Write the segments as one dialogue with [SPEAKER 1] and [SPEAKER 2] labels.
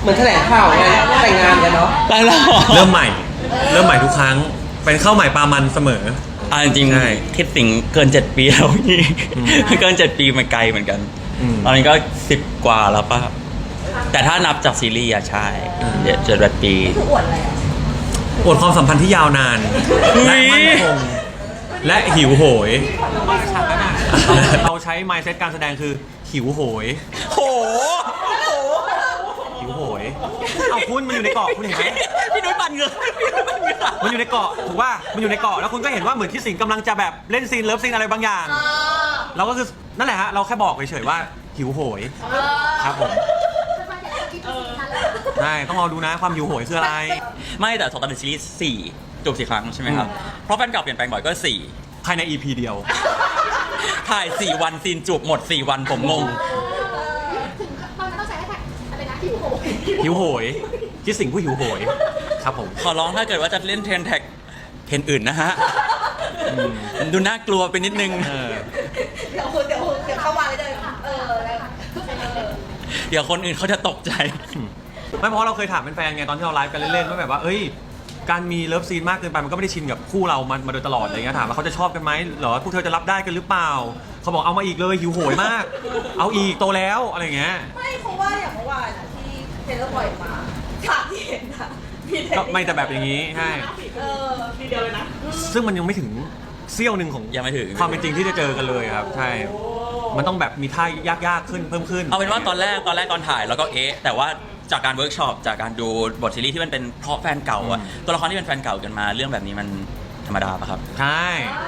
[SPEAKER 1] เหมือนแถลงข่าวไงแต่งงานกันเนาะ
[SPEAKER 2] ได้แล้ว
[SPEAKER 3] เริ่มใหม่ทุกครั้งเป็นข้าวใหม่ปลามันเสมอ
[SPEAKER 2] จริงๆคิดถึงเกิน7 ปีแล้วพี่เกิน7 ปีมันไกลเหมือนกันตอนนี้ก็10 กว่าแล้วป่ะแต่ถ้านับจากซีรีส์อะใช่7 ปี
[SPEAKER 4] คืออวดอะไรอ่ะ
[SPEAKER 3] อวดความสัมพันธ์ที่ยาวนานและมั่นคงและหิวโหยเราใช้ mindset การแสดงคือหิวโหยหิวโหยเอาคุณมันอยู่ในเกาะคุณเห็นไหม
[SPEAKER 2] พี่นุ้ยปั่นเหงื่อ
[SPEAKER 3] มันอยู่ในเกาะถูกป่ะมันอยู่ในเกาะแล้วคุณก็เห็นว่าเหมือนที่สิงห์กำลังจะแบบเล่นซีนเลิฟซีนอะไรบางอย่างเราก็คือนั่นแหละฮะเราแค่บอกเฉยๆว่าหิวโหยครับผมใช่ต้องรอดูนะความหิวโหยคืออะไร
[SPEAKER 2] ไม่แต่ตอนในซีรีส์4 จบ 4 ครั้งใช่ไหมครับเพราะแฟนเก่าเปลี่ยนแปลงบ่อยก็4
[SPEAKER 3] ภายใน EP เดียว
[SPEAKER 2] ถ่าย4 วันซีนจูบหมด4 วันผมงง
[SPEAKER 4] ถึงตอนนั้นต้องใช้แท็กอะไรนะหิวโหย
[SPEAKER 3] ที่สิงห์ผู้หิวโหยครับผม
[SPEAKER 2] ขอร้องถ้าเกิดว่าจะเล่นเทรนแท็กเทรนอื่นนะฮะดูน่ากลัวไปนิดนึง
[SPEAKER 4] เดี๋ยวเข้ามาเลย
[SPEAKER 2] เดี๋ยวคนอื่นเขาจะตกใจ
[SPEAKER 3] ไม่เพราะเราเคยถามแฟนๆไงตอนที่เราไลฟ์กันเล่นๆว่าแบบว่าเอ้ยการมีเลิฟซีนมากเกินไปมันก็ไม่ได้ชินกับคู่เรามาโดยตลอดอะไรเงี้ยถามว่าเขาจะชอบกันไหมหรอพวกเธอจะรับได้กันหรือเปล่าเขาบอกเอามาอีกเลยหิวโหยมากเอาอีกโตแล้วอะไรเงี้ย
[SPEAKER 4] ไม่เพราะว่าอย่างเมื่อวานที่เทเลอร์ปล่อยมาฉากที่เห็นอะ
[SPEAKER 3] ก็ไม่แต่แบบอย่างนี้ใช่
[SPEAKER 4] ทีเดียวเลยนะ
[SPEAKER 3] ซึ่งมันยังไม่ถึงเสี้ยวหนึ่งของ
[SPEAKER 2] ยังไม่ถึง
[SPEAKER 3] ความเป็นจริงที่จะเจอกันเลยครับใช่มันต้องแบบมีท่ายากขึ้นเพิ่มขึ้น
[SPEAKER 2] เอาเป็นว่าตอนแรกตอนถ่ายแล้วก็แต่ว่าจากการเวิร์กช็อปจากการดูบทซีรีส์ที่มันเป็นเพราะแฟนเก่าอะตัวละครที่เป็นแฟนเก่ากันมาเรื่องแบบนี้มันธรรมดาปะครับ
[SPEAKER 3] ใช่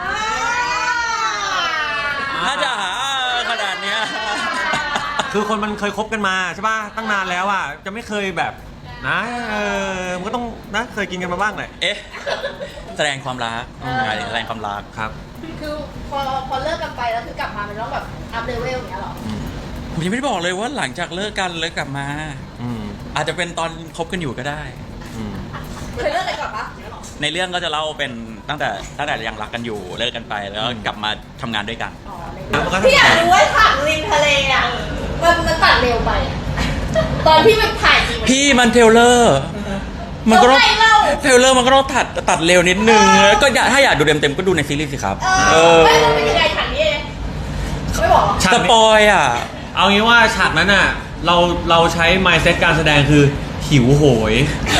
[SPEAKER 2] ถ้าจะหาขนาดเนี้ย
[SPEAKER 3] คือคนมันเคยคบกันมาใช่ป่ะตั้งนานแล้วอ่ะจะไม่เคยแบบนะมันก็ต้องนะเคยกินกันมาบ้างแหละ
[SPEAKER 2] แสดงความรักแสดงความรัก
[SPEAKER 3] ครับ
[SPEAKER 4] คือพอเลิกกันไปแล้วคือกลับมามันต้องแบบอัพเลเวลอย่างเงี้ยหรอ
[SPEAKER 2] ผมยังไม่ได้บอกเลยว่าหลังจากเลิกกันกลับมาอาจจะเป็นตอนคบกันอยู่ก็ได้
[SPEAKER 4] เคยเลิกกันก่อนปะ
[SPEAKER 2] ในเรื่องก็จะเล่าเป็นตั้งแต่ยังรักกันอยู่เลิกกันไปแล้วกลับมาทำงานด้วยกัน
[SPEAKER 4] พี่อยากรู้ว่าฉากริมทะเลอ่ะมันตัดเร็วไปตอนที่มันถ่ายจริง
[SPEAKER 2] พี่มันเทเลอร์มันก็ต้องเทเลอร์มันก็ต้องตัดเร็วนิดนึงก็ถ้าอยากดูเต็มก็ดูในซีรีส์สิครับ
[SPEAKER 4] ไม่เป็นยังไงฉากนี้ไม่บอก
[SPEAKER 2] สปอยอ่ะ
[SPEAKER 3] เอางี้ว่าฉากนั้นอ่ะเราใช้ mindset การแสดงคือหิวโหย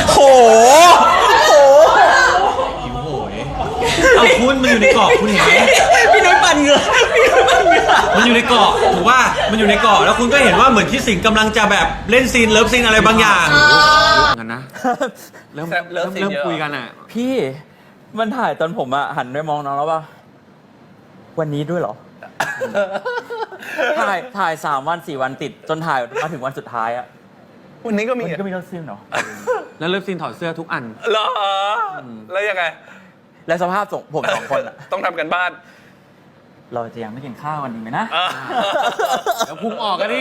[SPEAKER 3] หิวโหยเอาคุณมันอยู่ในเกาะคุณเห็นไหม
[SPEAKER 2] พี่นุ้ยปั่นเหงื่อ
[SPEAKER 3] มันอยู่ในเกาะถูกว่ามันอยู่ในเกาะแล้วคุณก็เห็นว่าเหมือนที่สิงห์กำลังจะแบบเล่นซีนเลิฟซีนอะไรบางอย่างกันนะเริ่มคุยกันอ่ะ
[SPEAKER 2] พี่มันถ่ายตอนผมอ่ะหันไปมองน้องแล้วป่ะวันนี้ด้วยเหรอถ่าย3 วัน 4 วันติดจนถ่ายมาถึงวันสุดท้ายอะ
[SPEAKER 5] วันนี้ก็มี
[SPEAKER 2] เลิฟซีนเหรอ
[SPEAKER 3] แล้วเลิฟซีนถอดเสื้อทุกอัน
[SPEAKER 5] เหรอแล้วยังไง
[SPEAKER 2] และสภาพผม2 คนอะ
[SPEAKER 5] ต้องทำกันบ้าน
[SPEAKER 2] เราจะยังไม่กินข้าววันนี้ไหมนะ
[SPEAKER 3] แล้วพุงออกกันดิ